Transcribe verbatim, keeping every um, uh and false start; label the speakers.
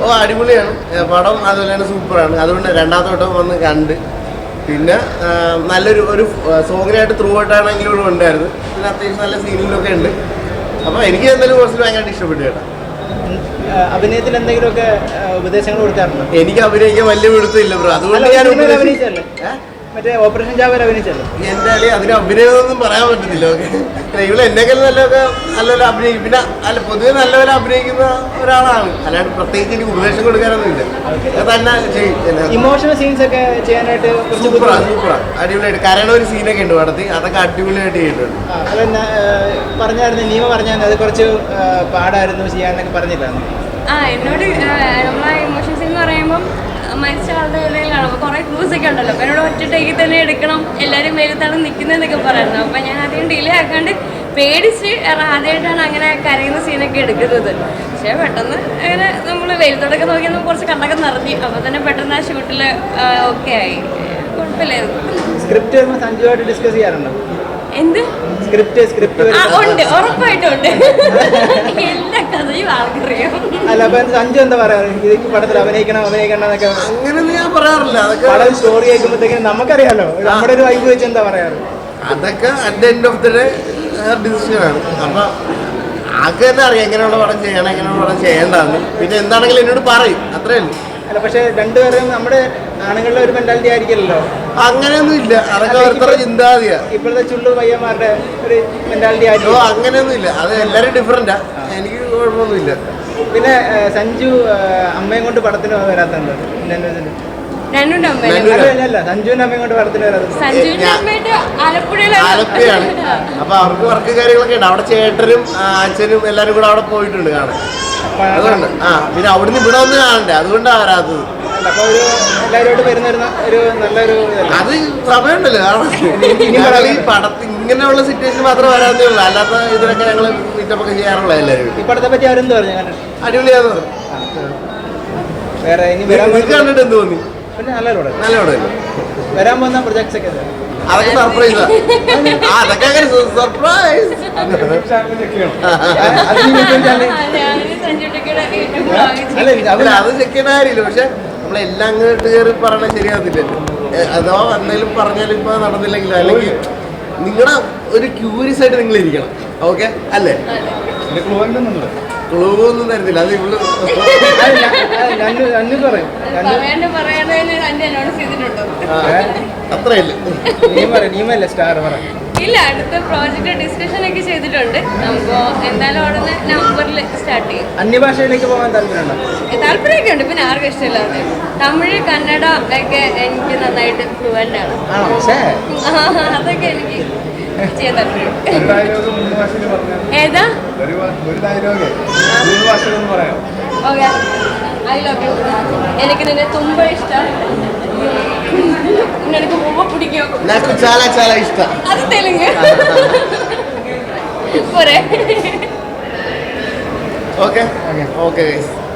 Speaker 1: ഓ അടിപൊളിയാണ് പടം, അതുപോലെ തന്നെ സൂപ്പറാണ്. അതുകൊണ്ട് രണ്ടാമത്തെ വട്ടം വന്ന് കണ്ട്. പിന്നെ നല്ലൊരു ഒരു സോങ്ങിനായിട്ട് ത്രൂ ഔട്ടാണെങ്കിലും ഇവിടെ ഉണ്ടായിരുന്നു. പിന്നെ അത്യാവശ്യം നല്ല സീനിലൊക്കെ ഉണ്ട്. അപ്പോൾ എനിക്ക് എന്തായാലും കുറച്ച് ഭയങ്കരമായിട്ട് ഇഷ്ടപ്പെട്ടു കേട്ടോ.
Speaker 2: അഭിനയത്തിൽ എന്തെങ്കിലുമൊക്കെ ഉപദേശങ്ങൾ കൊടുക്കാറുണ്ടോ?
Speaker 1: എനിക്ക് അഭിനയിക്കാൻ വലിയ പിടുത്തമില്ല ബ്രോ, അതുകൊണ്ട് ഞാൻ
Speaker 2: അഭിനയിച്ചല്ലേ മറ്റേ ഓപ്പറേഷൻ ജാവേർ അഭിനയിച്ചല്ലോ.
Speaker 1: എന്തായാലും അതിന് അഭിനയമൊന്നും പറയാൻ പറ്റത്തില്ല. ഓക്കെ, ഇവിടെ എന്നെക്കാൾ നല്ലതൊക്കെ നല്ലപോലെ അഭിനയിക്കും. പിന്നെ അല്ല പൊതുവെ നല്ലപോലെ അഭിനയിക്കുന്ന ഒരാളാണ്, അല്ലാണ്ട് പ്രത്യേകിച്ച് എനിക്ക് ഉപദേശം കൊടുക്കാനൊന്നും ഇല്ല. തന്നെ ചെയ്യും.
Speaker 2: ഇമോഷണൽ സീൻസ് ഒക്കെ ചെയ്യാനായിട്ട്
Speaker 1: സൂപ്പറാണ് സൂപ്പറാണ് അടിപൊളിയായിട്ട് കരയണ ഒരു സീനൊക്കെ ഉണ്ട് പടത്തിൽ, അതൊക്കെ അടിപൊളിയായിട്ട് ചെയ്തിട്ടുണ്ട്.
Speaker 2: അതന്നെ പറഞ്ഞായിരുന്നു, നീമ പറഞ്ഞാൽ അത് കുറച്ച് പാടായിരുന്നു ചെയ്യാനൊക്കെ പറഞ്ഞില്ലായിരുന്നു.
Speaker 3: ആ എന്നോട് നമ്മളെ ഇമോഷൻ സീൻ എന്ന് പറയുമ്പം മരിച്ച ആളുടെ ഇടയിലാണ്. അപ്പോൾ കുറേ ക്ലൂസ് ഒക്കെ ഉണ്ടല്ലോ. അപ്പോൾ എന്നോട് ഒറ്റ ടേക്കിൽ തന്നെ എടുക്കണം, എല്ലാവരും വെയിലത്താണ് നിൽക്കുന്നതെന്നൊക്കെ പറയുന്നത്. അപ്പോൾ ഞാൻ ആദ്യം ഡിലേ ആക്കാണ്ട് പേടിച്ച് ആദ്യമായിട്ടാണ് അങ്ങനെ കരയുന്ന സീനൊക്കെ എടുക്കുന്നത്. പക്ഷേ പെട്ടെന്ന് അങ്ങനെ നമ്മൾ വെയിലത്തോടൊക്കെ നോക്കി നമുക്ക് കുറച്ച് കണ്ണൊക്കെ നിറഞ്ഞു. അപ്പോൾ തന്നെ പെട്ടെന്ന് ആ ഷൂട്ടിൽ ഓക്കെ ആയി, കുഴപ്പമില്ലായിരുന്നു.
Speaker 2: സ്ക്രിപ്റ്റ് സഞ്ജുവായിട്ട് ഡിസ്കസ് ചെയ്യാറുണ്ടോ?
Speaker 3: എന്ത്
Speaker 2: സ്ക്രിപ്റ്റ് സ്ക്രിപ്റ്റ്
Speaker 3: ഉണ്ട്, ഉറപ്പായിട്ടും ഉണ്ട്. എല്ലാ കഥയും ആൾക്കറിയാം.
Speaker 2: അല്ല അപ്പൊ സഞ്ജു എന്താ പറയാറ് ഇത് പടത്തിൽ അഭിനയിക്കണം അഭിനയിക്കണം എന്നൊക്കെ?
Speaker 1: അങ്ങനെയൊന്നും ഞാൻ പറയാറില്ല.
Speaker 2: പടം സ്റ്റോറി കേൾക്കുമ്പോഴത്തേക്കും നമുക്കറിയാലോ, നമ്മുടെ ഒരു വൈബ് വെച്ച് എന്താ പറയാറ്?
Speaker 1: അതൊക്കെ at the end of the day ഡിസിഷനാണ്. അപ്പൊ ആൾക്ക് തന്നെ അറിയാം എങ്ങനെയുള്ള പടം ചെയ്യണം, എങ്ങനെയുള്ള പടം ചെയ്യേണ്ടതെന്ന്. പിന്നെ എന്താണെങ്കിലും എന്നോട് പറയും, അത്രേ ഉള്ളൂ.
Speaker 2: അല്ല പക്ഷെ രണ്ടുപേരും നമ്മുടെ ആണുങ്ങളുടെ ഒരു മെന്റാലിറ്റി ആയിരിക്കില്ലല്ലോ.
Speaker 1: അങ്ങനെയൊന്നും ഇല്ല, അതൊക്കെ ഓരോരുത്തരുടെ ചിന്താഗതിയാ.
Speaker 2: ഇപ്പോഴത്തെ ചുള്ളു പയ്യന്മാരുടെ ഒരു മെന്റാലിറ്റി ആയിരിക്കും.
Speaker 1: അങ്ങനെയൊന്നും ഇല്ല, അത് എല്ലാവരും ഡിഫറൻറ്റാ, എനിക്ക് കുഴപ്പമൊന്നുമില്ല.
Speaker 2: പിന്നെ സഞ്ജു അമ്മയും കൊണ്ട് പടത്തിന് വരാത്തുണ്ട്.
Speaker 3: സഞ്ജുവിന്റെ
Speaker 2: അമ്മയും കൊണ്ട് പടത്തിന് വരാത്തുണ്ട്.
Speaker 1: ആലപ്പുഴയാണ്. അപ്പൊ അവർക്ക് വർക്ക് കാര്യങ്ങളൊക്കെ ഉണ്ട്. അവിടെ ചേട്ടനും അച്ഛനും എല്ലാരും കൂടെ അവിടെ പോയിട്ടുണ്ട് കാണാൻ. അതുകൊണ്ട് ആ പിന്നെ അവിടുന്ന് ഇവിടെ ഒന്ന് കാണണ്ടേ, അതുകൊണ്ടാണ് വരാത്തത്.
Speaker 2: അപ്പൊ ഒരു എല്ലാവരോട് വരുന്ന ഒരു നല്ലൊരു
Speaker 1: അത് സമയമുണ്ടല്ലോ. ഈ പടത്തിൽ ഇങ്ങനെയുള്ള സിറ്റുവേഷൻ മാത്രമേ വരാത്തേ ഉള്ളൂ, അല്ലാത്ത ഇതിനൊക്കെ ഞങ്ങൾ മീറ്റപ്പൊക്കെ ചെയ്യാറുള്ള എല്ലാവരും.
Speaker 2: ഈ പടത്തെ പറ്റി അവരെന്ത് പറഞ്ഞു?
Speaker 1: അടിപൊളിയാന്ന് പറഞ്ഞു.
Speaker 2: വേറെ ഇനി
Speaker 1: കണ്ടിട്ട് എന്ത് തോന്നി?
Speaker 2: പിന്നെ നല്ല
Speaker 1: നല്ല
Speaker 2: വരാൻ പോകുന്ന പ്രൊജക്ട്സ് ഒക്കെ
Speaker 1: അതൊക്കെ സർപ്രൈസാ. അതൊക്കെ അങ്ങനെ സർപ്രൈസ്. അല്ല അത് ചെക്ക് ചെയ്യണ കാര്യമില്ല. പക്ഷെ നമ്മളെല്ലാം അങ്ങോട്ട് കയറി പറയണ ശരിയാകത്തില്ലല്ലോ. അഥവാ എന്തെങ്കിലും പറഞ്ഞാലും ഇപ്പൊ നടന്നില്ലെങ്കിലും, അല്ലെങ്കിൽ നിങ്ങളുടെ ഒരു ക്യൂരിയസ് ആയിട്ട് നിങ്ങൾ ഇരിക്കണം. ഓക്കെ അല്ലേ? ക്ലൂ ഒന്നും തരുന്നില്ല, അത് ഇവള് അത്രയല്ലേ.
Speaker 2: നീമല്ലേ സ്റ്റാർ പറ.
Speaker 3: ഇല്ല, അടുത്ത പ്രോജക്റ്റ് ഡിസ്കഷൻ ഒക്കെ ചെയ്തിട്ടുണ്ട്. നമുക്ക് എന്തായാലും ഉടനെ നവംബറിൽ സ്റ്റാർട്ട് ചെയ്യും.
Speaker 2: അന്യഭാഷയിലേക്ക് പോകാൻ താല്പര്യമുണ്ടോ?
Speaker 3: താല്പര്യമൊക്കെ ഉണ്ട്, പിന്നെ ആർക്കും ഇഷ്ടമില്ലാതെ. തമിഴ് കന്നഡ ഒക്കെ എനിക്ക് നന്നായിട്ട് ഫ്ലുവൻ്റ് ആണ്. അതൊക്കെ എനിക്ക് ചെയ്യാൻ താല്പര്യം. ഏതാ? Okay, I love you. എനിക്ക് നിന്നെ തുമ്പ ഇഷ്ടം, നിനക്ക് പൂവ പിടിക്കും.
Speaker 1: నాకు చాలా చాలా ఇష్టం.
Speaker 3: అది తెలుగు. పోరే.
Speaker 1: Okay okay okay guys.